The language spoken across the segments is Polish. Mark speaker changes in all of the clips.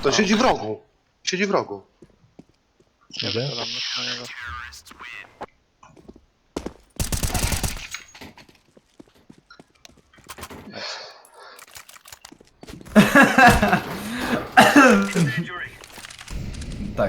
Speaker 1: To siedzi w rogu. Siedzi w rogu.
Speaker 2: Nie wiem.
Speaker 3: Tak.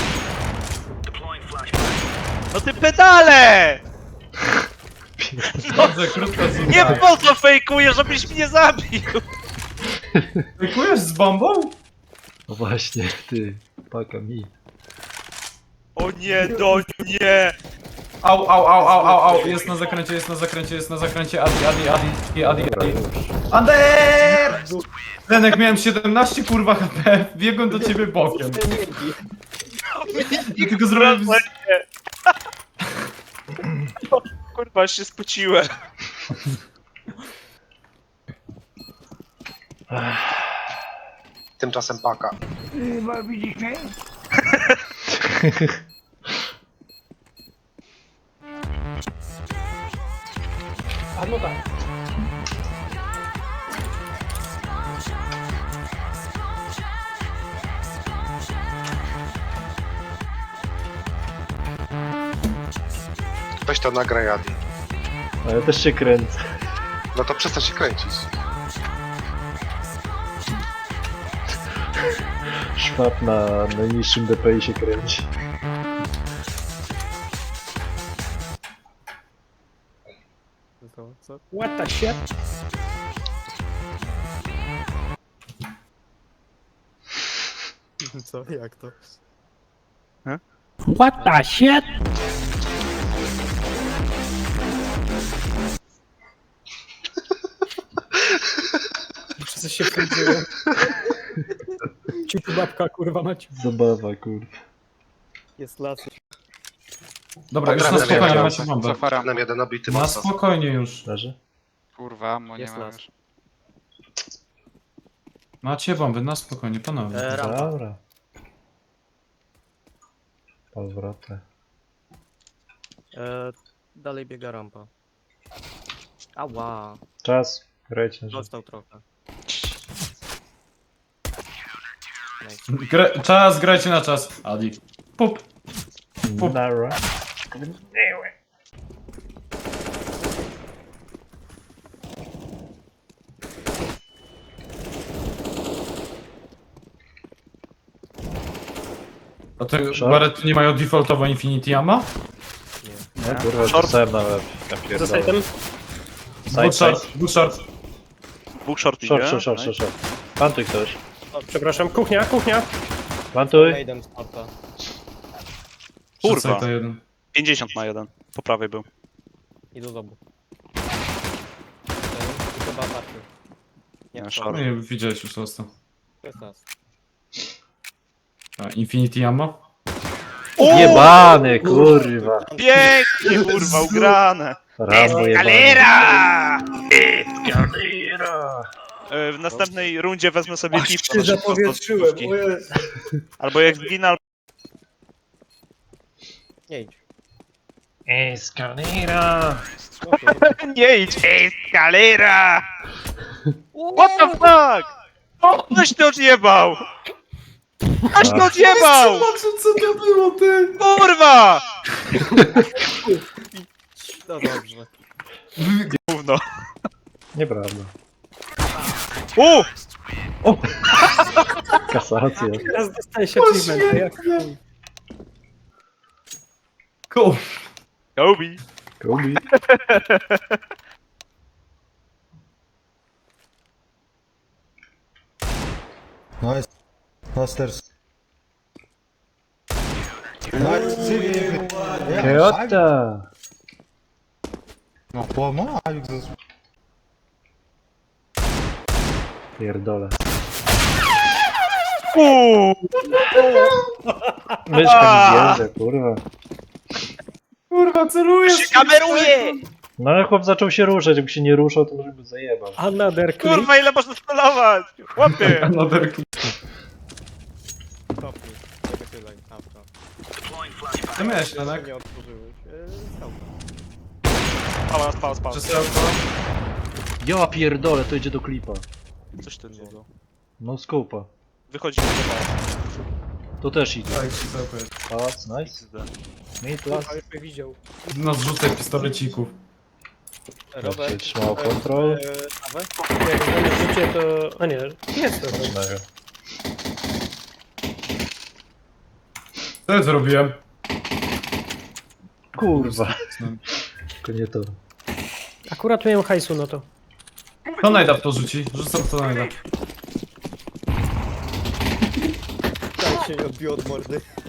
Speaker 4: No ty pedale!
Speaker 3: Dobrze, krótko
Speaker 4: Nie po co fejkujesz, żebyś mnie zabił!
Speaker 3: Fejkujesz z bombą?
Speaker 2: No właśnie, ty, paka mi.
Speaker 4: O nie, do nie!
Speaker 3: Au, au, au, au, au, au, jest na zakręcie, jest na zakręcie, jest na zakręcie, Adi. Ander! Lenek, miałem 17 kurwa HP, biegłem do ciebie bokiem. I tylko zrobiłem...
Speaker 4: Kurwa, aż się spociłem.
Speaker 1: Tymczasem paka.
Speaker 5: A no tak.
Speaker 1: Weź to nagraj, Adi.
Speaker 2: A ja też się kręcę.
Speaker 1: No to przestań się kręcić.
Speaker 2: Szwab na najniższym DPI się kręci.
Speaker 5: What the shit?
Speaker 6: Co? Jak to?
Speaker 5: What the shit? Wszyscy się wchodziło. Ciuciu babka, kurwa macie.
Speaker 2: Zabawa, kurwa.
Speaker 6: Jest las.
Speaker 3: Dobra, już na
Speaker 1: Dobra,
Speaker 3: spokojnie,
Speaker 1: dobra.
Speaker 3: macie bombę.
Speaker 4: Zafaram.
Speaker 1: Nam jeden obity
Speaker 3: Na
Speaker 1: mocno.
Speaker 3: spokojnie już.
Speaker 2: Leży?
Speaker 4: Kurwa, mo nie
Speaker 6: Jest
Speaker 4: mam
Speaker 6: las.
Speaker 4: już.
Speaker 3: Macie bomby, na spokojnie, panowie.
Speaker 6: Rampa.
Speaker 2: Dobra. Powrotę.
Speaker 6: Dalej biega rampa. Ała.
Speaker 2: Czas. Grajcie na życie.
Speaker 6: Dostał trochę.
Speaker 3: Czas, grajcie na czas. Adi. Pup. Pup.
Speaker 2: Nara.
Speaker 3: A te
Speaker 2: Short?
Speaker 3: barety nie mają defaultowo Infinity Ammo?
Speaker 2: No kurwa, rzucałem na łeb. Ja
Speaker 5: Za
Speaker 2: pierdolę.
Speaker 5: sajtem.
Speaker 2: Side, side.
Speaker 3: Dwóch short.
Speaker 4: Dwóch short idzie.
Speaker 2: Short. Plantuj ktoś.
Speaker 5: O, przepraszam, kuchnia, kuchnia.
Speaker 2: Plantuj.
Speaker 6: Maiden sparta.
Speaker 4: Kurwa.
Speaker 3: Przed side jeden.
Speaker 4: 50 ma jeden. Po prawej był.
Speaker 6: Idą z obu. Chyba party.
Speaker 4: Nie,
Speaker 6: to-
Speaker 4: short.
Speaker 3: No i widziałeś już został.
Speaker 6: To jest nas.
Speaker 3: A, Infinity Ammo?
Speaker 2: Jebany, kurwa.
Speaker 4: Pięknie, kurwa, ugrane!
Speaker 2: Rambo jebany.
Speaker 4: Galera! W następnej rundzie wezmę sobie piwko. na szybko z podstawówki. Albo jak zginę,
Speaker 6: Nie idź.
Speaker 2: Escalera.
Speaker 4: nie idź! Galera! What the fuck? Ktoś to odjebał! Ktoś to odjebał!
Speaker 3: Co to było, ty?
Speaker 4: Kurwa!
Speaker 6: No dobrze.
Speaker 4: Gówno.
Speaker 2: Nieprawda. Kasacja.
Speaker 5: Teraz dostaje się achievement. Jak chuj.
Speaker 3: Cool.
Speaker 4: Kobe.
Speaker 2: Kobi.
Speaker 7: Nice. Masters. Nice.
Speaker 2: Kyoto.
Speaker 7: No pomagaj.
Speaker 2: Pierdolę. Myszka mi bierze, kurwa.
Speaker 3: Kurwa, celujesz!
Speaker 4: Się kameruje!
Speaker 2: No ale chłop zaczął się ruszać, jakby się nie ruszał, to może by zajebał.
Speaker 5: Another clip.
Speaker 4: Kurwa, ile można celować? Chłopie!
Speaker 3: Another clip.
Speaker 6: Stopnij. Nie wychylaj. Awka.
Speaker 3: Co miałeś, Lenek?
Speaker 6: Nie otworzyłeś. Skałka.
Speaker 4: Spała.
Speaker 3: Przesyłko.
Speaker 2: Ja pierdolę, to idzie do klipa.
Speaker 4: Coś ten niego.
Speaker 2: No scope'a.
Speaker 4: Wychodzimy do was.
Speaker 2: Tu też idzie.
Speaker 3: Tak, super.
Speaker 2: Pałac, nice. Mid, las.
Speaker 5: Ale by widział.
Speaker 3: No zrzucę pistolecików.
Speaker 6: Robert,
Speaker 2: Trzymał kontrol.
Speaker 6: Awę?
Speaker 5: Jak na życie to... A nie, jest to.
Speaker 2: Mega.
Speaker 3: Co ja zrobiłem?
Speaker 2: Kurwa. Tylko nie to.
Speaker 5: Akurat miałem hajsu na to.
Speaker 3: Kto najda w to rzuci? Rzucam co najda.
Speaker 6: Tak się nie odbił od mordy.